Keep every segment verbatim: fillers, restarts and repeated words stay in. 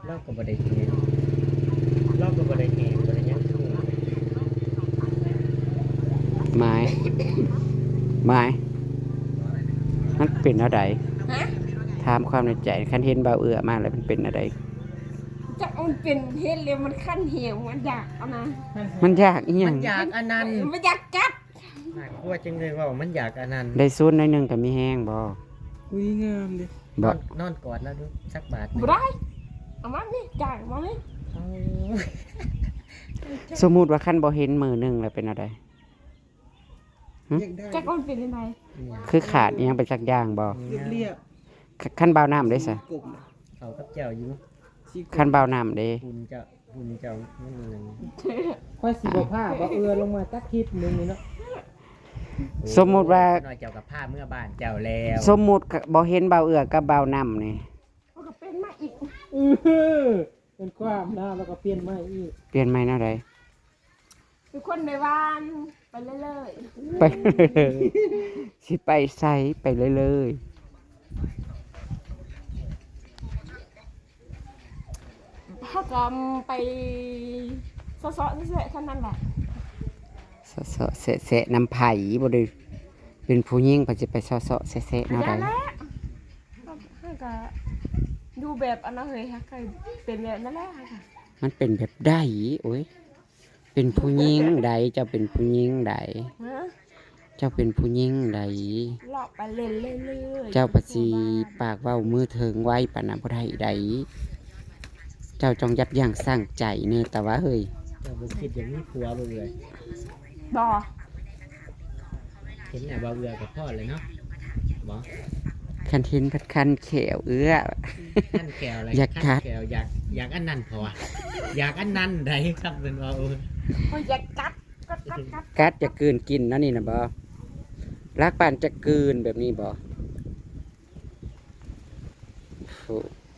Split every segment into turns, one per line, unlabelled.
เราก็บ่ได้แหงเราก็บ่ได้แหงบ่ได้หยังทุ่ง
ไม้ ไม้มันเป็นอะไร
ฮะ
ถามความในใจคันเห็นเบาเอื้อมาแล้วมันเป็นอะไร
จะเอามันเป็นเฮ็ดเลยมันขั้นเหี่ยวมันอยากเอานะ
มันยากอีหยั
มั
ง
นอยากอันนั้น
มันอยากกัด
น่ากลัวจังเลยว่ามันอยากอันนั้น
ได้ซุนหน่อยหนึงก็มีแห้งบ่
อุ้ยงามดิ
น
บ่
อนนอนกอดแล้วดูสักบาทหนึ่ง
บ่ได้เอามานี่จ่ายมานี่
เอา
สมมุติว่าคันบ่เห็นมือหนึงแล้วเป็นอะไร
อยากได้
จะเอามันเป็นยังไง
คือขาดอีหยังไปสักอย่างบ่
เรียบเรียบ
คันเบาน้ำได้ซะ
กลม
เขากับเจ้าอยู่
สีกล
คัน
ม
เบาน้ำเด้
หุ่นเจ้าหุ่นเจ้าไม่มีนั่น
ค่อยสีบ่ผ้าบ่เอือลงมาตักคลิปหนึงนี่เนาะ
สมมุติว่า
น้อยเจ้ากับผ้าเมื่อบ้านเจ้าแล้ว
สมมุติบ่เห็นเบาเอื้อกับเบาน้ำนี่
มันก็เป็นมาอีก
เออเป็นความนะแล้วก็เปลี่ยนใหม่อีก
เปลี่ยนใหม่แนวใด
เป็นคนในบ้านไปเรื่อย
ไปเลยสิไปไสไปเลยเลย
ๆถ้าก็ไปซ้อๆเฉยๆเท่านั้นแหละ
เสาะเสาะแสะแสะน้ำไผ่บ่ได้เป็นผู้หญิงก็สิไปเสาะเสาะแสะแสะแนวใด
อย่าแล้วถ้าก็ดูแบบอันนั้นเลยค่ะเคยเป็นแบบนั้นแหละค่ะ
มันเป็นแบบใดโอ้ยเป็นผู้หญิงใดเจ้าเป็นผู้หญิงใด
ฮะ
เจ้าเป็นผู้หญิงใด
เลาะไปเรื่อยๆ
เจ้าปฏิปากเว้ามือเถิงไว้ปานนั้นบ่ได้ใดเจ้าจงยับยั้งสร้างใจเน่แต่ว่าเฮ้ย
เจ้าบ่คิดอย่างนี้ผัวบ่เบื่อ
บ่
เห็นหน้าบ่เบื่อกับพ่อเลยเนาะบ่
คันเห็นพัดคันแขวเอื้อ
ขั้นแก้วอะไร
อยากกัด
ขั้นแก้วอยากอยากอันนั้นพออยากอันนั้นได้ครับเป็นว่าเออ
คอยอยากกัดกัดกัดกัด
กัดจะกลืนกินเนาะนี่นะบ่รักปานจะกลืนแบบนี้บ่โอ้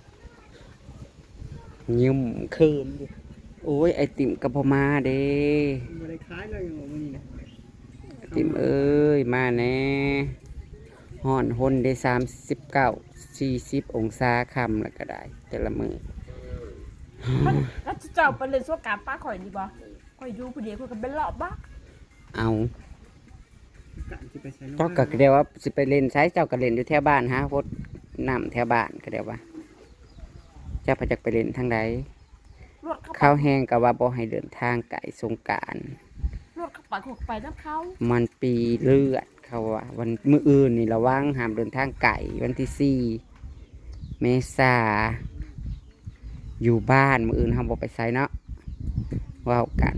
ยิ้มคืนอยู่โอ้ยไอติมกระพอมาเด้
บ่ได้คล้ายเลยอย่างมื้อนี้นะ
ไอติมเอ้ยมาแน่ฮ้อนหนได้สามสิบเก้าสี่สิบองศาคำแล้วก็ได้ แต่ละมือ
มันแล้วจะเจ้าไปเล่นสวกามป้าข่อยนี่บ่ข่อยอยู่ผู้เดียวข่อยก็เป็นเลาะบ้า
เอา
กะสิไปใส่
เจ้าก็เดียวว่าสิไปเล่นใช้เจ้าก็เล่นอยู่แถวบ้านฮะพดน้ำแถวบ้านก็เดียวว่าเจ้าพระจักไปเล่นทางใด
รถเข้าไป
ข้าวแห้งก็ว่าบ่ให้เดินทางไกลสงกรานต์
รถเข้าไปขกไปน้ำเขา
มันปีเลือดเขาว่าวันมื้ออื่นนี่ระวังห้ามเดินทางไกลวันที่สี่เมษาอยู่บ้านมื้ออื่นเฮาบ่ไปไสเนาะเว้ากัน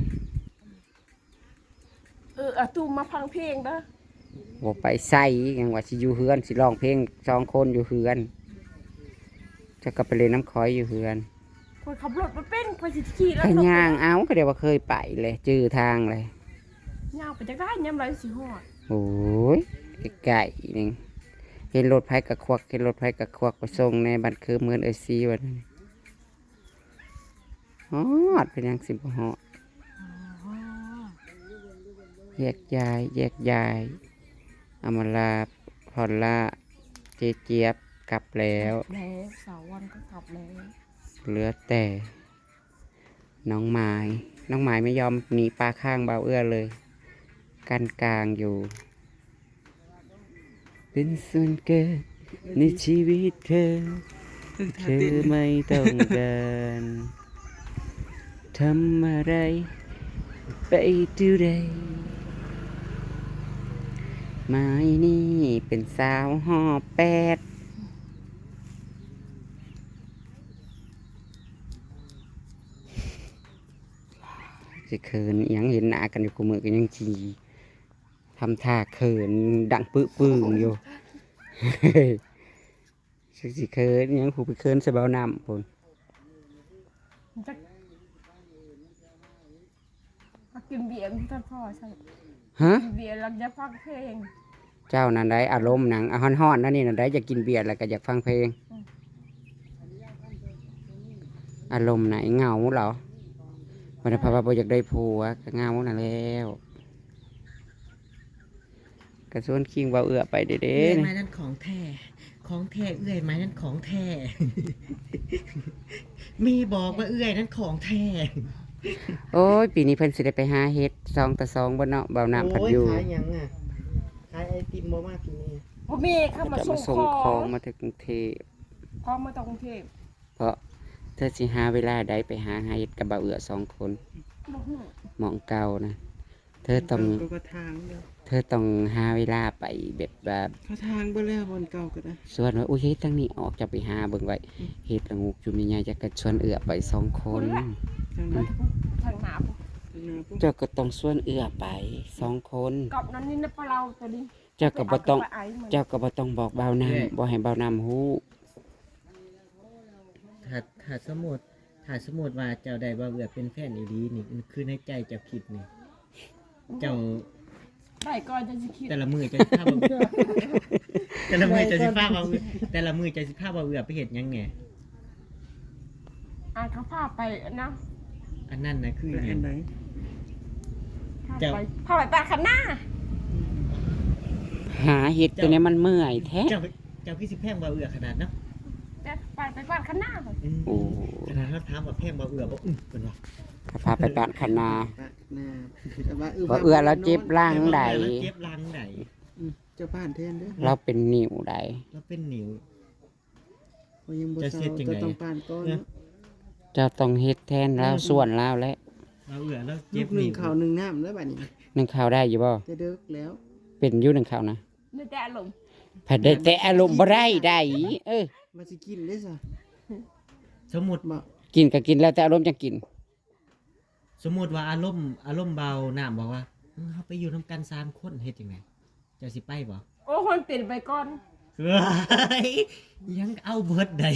เออเอาตูมมาฟังเพลงเด้อ
บ่ไปไสยังว่าสิอยู่เฮือนสิร้องเพลงสองคนอยู่เฮือนเจะก็ไปเล่นน้ำคอยอยู่เฮือน
ข่อยขับรถมาเป็นข่อยสิขี่แล้ว
ก็ย่างเอาก็เดี๋ยวว่าเคยไปเลยจื้อทางเลย
ย่างไปจักได้ยามไรสิฮอด
โอ้ยไก่นึงเห็นรถไผกะควักเห็นรถไผกะควักไปส่งในบัตรคือเมือนเอซีวันนั้นฮอดเป็นยังสิบฮอดแยกย้ายแยกย้ายอำมาลาพอลล่าเจเจี๊ยบกลับแล้ว
แล้วเสาร์วันก็กลับแล้ว
เหลือแต่ น้องไม้น้องไม้ไม่ยอมหนีปลาข้างเบาเอื้อเลย กันกลางอยู่ เป็นส่วนเกินในชีวิตเธอ เธอไม่ต้องการทำอะไร ไปดูได้ไม้นี่เป็นสาวหอแปดสิเขินอิหยังเห็นหน้ากันอยู่กูมือกันยังจีทำท่าเขินดังปื้อปื้งอยู่ สิสิเขินอิหยังผูไปเขินใส่เบาน้ำพุ่น
จักมากินเบียร์ท่านพ่อใช่
ฮะ
กินเบียร์แล้วจะฟังเพลง
เจ้านั่นได้อารมณ์หนังอาฮ้อนๆนั่นนี่นั่นได้อยากกินเบียร์แล้วก็อยากฟังเพลง อารมณ์ไหนเหงาเหรอวันนี้พระบาอยากได้ผัวก็เหงาน่ะแล้วกระส่วนคิงเบาเอือไปเด้
เรียน
ๆ
มานั่นของแท้ของแท้เอื้อยไหมนั่นของแท้ มีบอกว่าเอื้อยนั่นของแท้
โอ้ยปีนี้เพิ่นสิได้ไปหาเฮ็ดสองต่อสองบ่เนาะเบาน้ำผัดอยู่
โขายหยังอ่ะขายไอติมบ่มาปีนี้
พ่อแม่เข้ามา
จะ
ส่
มาง ส่ง
ข
ข
อ
อง
ง
มาถึงกรุงเทพ
ของมาจากกรุงเทพ
เพราะเธอสิหาเวลาใดไปหาเฮ็ดกับบ่าวเอื้อสองคน
บ่ฮู้
หมองเก่านะเธอต้อง
ก็ทางเด้อ
เธอต้องหาเวลาไปแบบแบบ
เขาทางบ่แล้วบนเก่าก็ได้
ส่วนว่าอุ้ยเฮ็ดทั้งนี้ออกจะไปหาเบิ่งไว้เฮ็ดละงูกอยู่มีใหญ่จะกระชวนเอื้อไปสองคน
ทางนั้น
ทางหนาพุ่น
ทางนั้นปุ๊บ
เจ้าก็ต้องชวนเอื้อไปสองคน
กับนั้นนี่นะปลาเราตัวนี้
เจ้าก็บ่ต้อง
ไปเากับปลาไมัน
เจ้าก็บ่ต้องบอกเบาน้ำบ่ให้เบาน้ำฮู้
ถ้าถ้าสมมุติถ้าสมมุติว่าเจ้าได้บ่าวเอื้อเป็นแฟนอีหลีนี่มันคือในใจเจ้าคิดนี่เจ้า
ได้ก่อนจะสิคิด
แต่ละมือจะสิพาบ่าวเอื้อ แต่ละมือจะสิพาบ่าวเอื้อแต่ละมือจะสิพาบ่าวเอื้อไปเฮ็ดหยังแหน่
อ่านเขาพาไปนะ
อันนั้นน่ะคือ
ไป
หยั
อั
ง
นไหน
พา
เจ้า
ไปพาไปปลาคันหน้า
หาเฮ็ดตัวนี้มันเมื่อยแท้
เจ้าเจ้าคือสิแพงบ่าวเอื้อขนาดเนาะ
แต่ไปไปปลาคันหน้าก่อน
อืม
โอ้
ขนาดเราถามว่าแพงบ่าวเอื้อบ่อื้อเพิ่นว่า
ถ้าพาไปบ้านคณา
ปะหน้าแต่ว่า
บ่เอื้อแล้วเจ็บร่างใด
แล้วเจ็บหลังใด
อืมเจ้าบ้านแทนเด้อ
เราเป็นนิ้วใด
แล้วเป็นนิ้ว
เพราะยังบ่
จะ
เศร้า
เฮ็ดจัง
ก็
ได๋
ต้องปานก่อนเนาะ
เจ้าต้องเฮ็ดแทนแล้วส่วนแล้วและ
บ่าวเอื้อแล้ว
ลู
เจ็บ
กหนึ่ง
นิ้ว
ข้าวหนึ่งน้ำแล้วบัดนี้
นึ่งข้าวได้อยู่บ่
จะเดึกแล้ว
เป็นอยู่นึ่งข้าวนะ
ไม่แต่อารมณ์
ผัดได้แต่อารมณ์บ่ได้ได้เออ
มาสิกินได้ซะ
สมมุติ
บ่
กินก็กินแล้วแต่อารมณ์จังกิน
สมมุติว่าอารมณ์อารมณ์เบาน้ำบอกว่าเออเฮาไปอยู่นํกันสามคนเฮ็ดจังได๋เจ้าสิไปบ่
โอ้คนเปลี่ยนไปก่อน
เฮ้ยยังเอาเบิดได้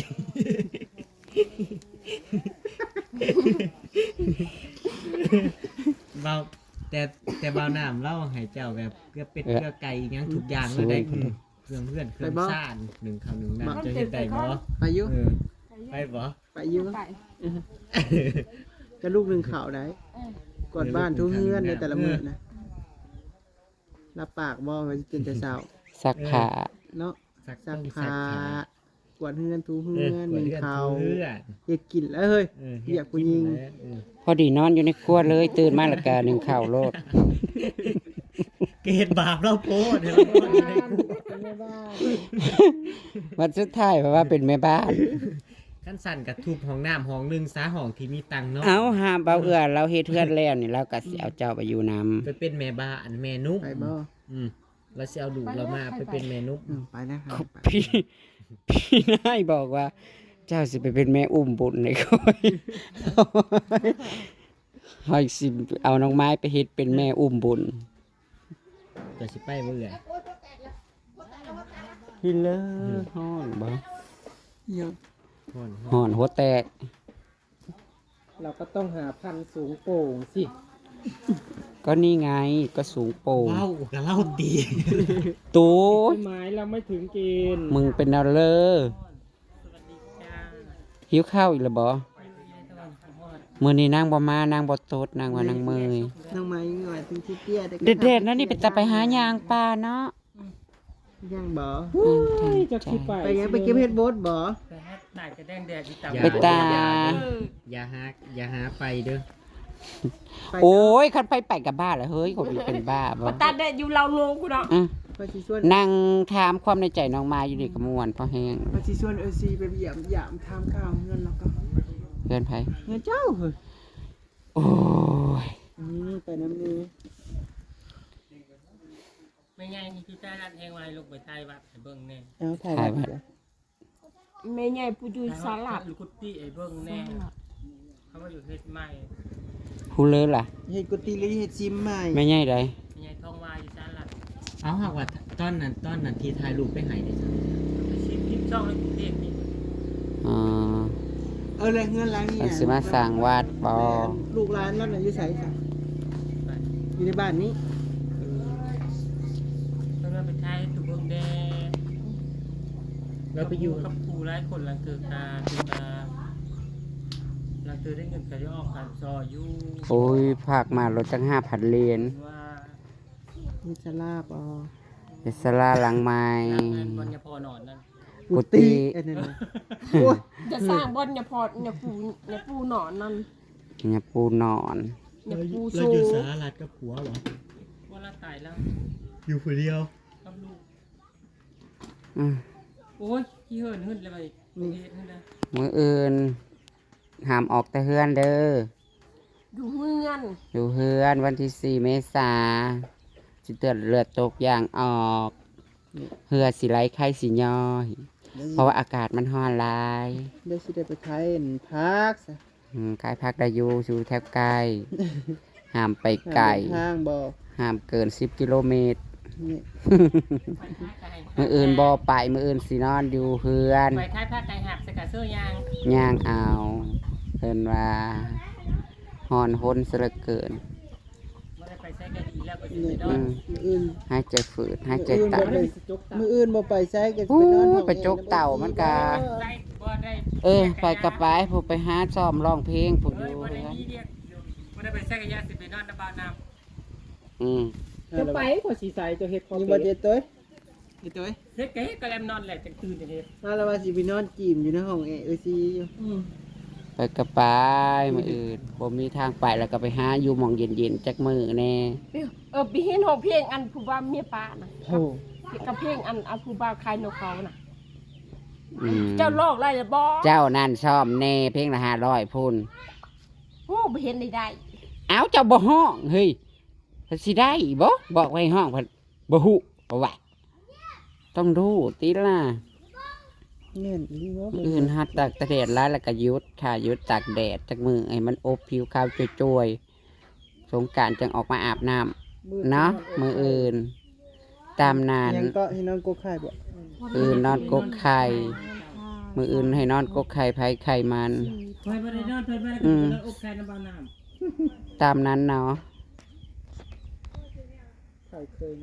เบาแต่แต่เบาน้ำเล่าให้เจ้าแบบเกลือเป็ด
เออ
เกลือไก่อิหยังทุกอย่างเลยได้
สวย
อืมเครื่องเพื่อนเครื่องซ่านหนึ่งข้าวหนึ่งน้ำจะเฮ็ดได้บ่
ไปอยู่
เออไปบ่
ไปอยู่
ไป
จะลูกหนึ่งข้าวได้
เออก
วาดบ้านทุกเฮือนในแต่ละมื้อนะรับปากบ่ว่าสิกินแต่เช้า
ซักผ้า
เนาะ
สัก
ซัก
ต้อง
ผ้า
ผ้าก
วาดเฮือนทุก
เอ
เฮื
อ
อน
ก
ห
วด
นึ่ง
เลือด
ข้าว
เลือด
เฮ็ดกินแล้วเฮ้ย
เออ
เหยียบผู้หญิง
เออ
พอดีนอนอยู่ในครัวเลย ตื่นมาแล้วก็นึ่งข้าวโลด
เกตบาปเราโพดเห็นเราโพดอยู่ในคุก
วันสุดท้ายเพราะว่าเป็นแม่บ้าน
ขั้นสั่นกับทุบห้องน้ำห้องหนึ่งซาห้องที่มีตังค์เนาะ
เอาหาเบาเอื้อเราเฮ็ดเฮือนแล้วนี่เราก็สิเอาเจ้าไปอยู่นำ
ไปเป็นแม่บ้านแม่นุ๊ก
ไปบ่
อืมเราสิเอาดูกเรามาไปเป็นแม่นุ๊ก
อืมไปนะครับไป
พี่พี่นายบอกว่า เจ้าสิไปเป็นแม่อุ้มบุญในค่อยเฮาสิเอาน้องไม้ไปเฮ็ดเป็นแม่อุ้มบุญ
จะสิไปเบื่อ
พี่เลอฮ้อนบ่
เดี๋ยว
ฮ้อน
ฮ้อนหัวแตก
เราก็ต้องหาพันธุ์สูงโป่งสิ
ก็นี่ไงก็สูงโป่ง
เล่ากับเล่าตี
ตู
ต้นไม้เราไม่ถึงเกณฑ์
มึงเป็นเอาเลอหิวข้าวอีกแล้วบ่มื้อนี้นางบ่มานางบ่ตดนางว่านางเมย
น้องไม้หน่อยถึงที่เตี้ยแต่ก็
เด็ดๆนั่นนี่ไปตะไปหายางปลาเนาะ
ยังบ่
จะคิดไป
ไปยังไปเก็บเฮ็ดโบ๊ทบ่
อย่า
ไปตา
อย่าหาอย่าหาไปเด้อ
ไป
โอ้ยคันไปไปกับบ้าแล้วเฮ้ยคนนี้เป็นบ้าบ่
มาตัดได้อยู่เราโลกูเนาะ
อ่ะ
ไปสิชวน
นั่งถามความในใจน้องมาอยู่นี่ก็ม่วนพอแห้ง
ไปสิชวนเออซีไปเยี่ยมยามทำข้าวเงินแล้วก็
เพื่อนไผ
เงินเจ้าเฮ้ย
โอ้ย
อืมไปน้ำนี้
ไม่ไงคือใต้ร้านแทงไว้ลงไปใต้วัดไอ้เบิ้งแน่
เอาถ่ายไว้เดี๋ยว
แม่ใหญ่ผู้อยู่สลัด
ลูกกุฏิไอ้เบิ้งแน่เขามาอยู่เฮ็ดใหม่
ผู้เลอล่ะ
เฮ็ดกุฏิหรือเฮ็ดซิมใหม่
ไม่ใหญ่ใด
ไม่ไงท้องวายอยู่สาลัด
เอาหากว่าตอนนั้นตอนนั้นที่ถ่ายรูปไปให้เนี่ยจ้ะ
ไปชิมคลิปช่องในกรุงเทพนี่
อ๋อ
เออแล้วเงินหล้างนี่
มันสิมาสร้างวัดบ่
ลูกหลานนั่นน่ะอยู่ไสค่ะ
ไป
อยู่ในบ้านนี้
เพิ่นว่าไปใช้ตุกเบิ้งแดง
เราไปอยู่
กับครูหลายคนหลังเกิดตาคือตาหลังเกิดได้เงินก็จะออกการซออยู่
โอ้ยภาคมารถจังห้าพันเหรียญ
ว่า
มีสลาบอ๋อ
เอสลาหลังไม้
ทางงานบรรยพอนอนนั่น
กุฏิ
อันนั้นน่ะโอ้ย
จะสร้างบ่อนอย่าพอดอย่าปูอย่าปูหนอนนั่น
เนี่ยปูนอน
อย่าปู
เรา
โซ
อยู่สหรัฐกับผัวเหรอ
ว่าเราตายแล้ว
อยู่คนเดียว
กับลูก
อืม
โอ้ยที่เหินหึ่นเลยไปเฮ็ดหึ่นเลย
มื้ออื่นห้ามออกแต่เฮือนเด้อ
อยู่เมือง
อยู่เฮือนวันที่สี่เมษาสิเตือนเลือดตกอย่างออกเหือสิไหลไข้สิย่อย เพราะว่าอากาศมันร้อนหลาย
เดี๋ยวสิได้ไปขายอันพักซะ
อืมขายพักได้อยู่อยู่แทบใกล้ห้ามไปไกล
ทางบ่
ห้ามเกินสิบกิโลเมตร
นี่
มืออื่นบ่ไปมืออื่นสินอนอยู่เฮือน
ไปท้ายผ้าไก่หักใส่กระเสื้อยาง
ย่างเอาเพิ่นว่าฮ้อนหนซะเหลือเกิน
ไม่ได้ไปใช้กระดีแล้วก็สิ
นี่
ไปนอ
อื
น
ม
มื้ออื่น
หายใจฝืดหายใจ
มื้ออื่น
ตั
บ่
น
ได้มื้ออื่นบ่ไปไสก็
โอ้
ไปนอนห้
ย
อง
ไปจกเต่ามันกะ
ได้บ่ได้
เออไปกระไปผู้ไปหาซ้อมร้องเพลงผู้อ
เอ้
ยู่
ยบ่ได้
เฮือน
มีเรียกบ่ได้ไปใช้กระยาสิไปนอนน้ำบ่าวน้
อืม
จะไปขอสีใสจะเฮ็ดคอ
อยู่
เฟ
บ่เจ็ดตัวเจ็ดตัว
ำเฮ็ดกะเฮ็ดกะแลมนอนแหละจังตื่นจังเฮ็ด
มาแล้วว่าสิไปนอนจีมอยู่ในห้องแอร์เอซีอยู่
ไปกระไปมืออื่นบ่มีทางไปแล้วก็ไปหาอยู่หม่องเย็นๆจักมือแน่
เออไปเห็นห้องเพลงอันผู้บ่าวเมียป้าน่ะ
โอ้
กับเพลงอันอันผู้บ่าวคายนกเขาน่ะ
อืม
เจ้าลอกไรล่ะบ่
เจ้านั่นชอบแน่เพลงละห้าร้อยพุ่น
โอ้บ่เห็นได้ได้
เอ้าเจ้าบ่ห้องเฮ้ยเพิ่นสิได้บ่บอกไว้ห้องเพิ่นบ่ฮู้บ่ว่าต้องดูติล่ะ
แน่นอีเนาะ
มื้ออื่นหัดตากแดดหลายแล้วก็หยุดค่ะหยุดตากแดดจักมือให้มันอบผิวขาวจ่วยๆสงกรานต์จึงออกมาอาบน้ำเนาะมื้ออื่น ตามนั้น
ยังก็ให้นอนกกไข่บ่
อื่นนอนกกไข่ มื้ออื่นให้นอนกกไข่ไผไข่มัน
เพิ่นบ่ได้นอนเพิ่นบ่ได้
อื
กิน
ม
แล้วอบไข่น้ำบ่าวน้ำ
ตามนั้นเนาะ
ไข่เคย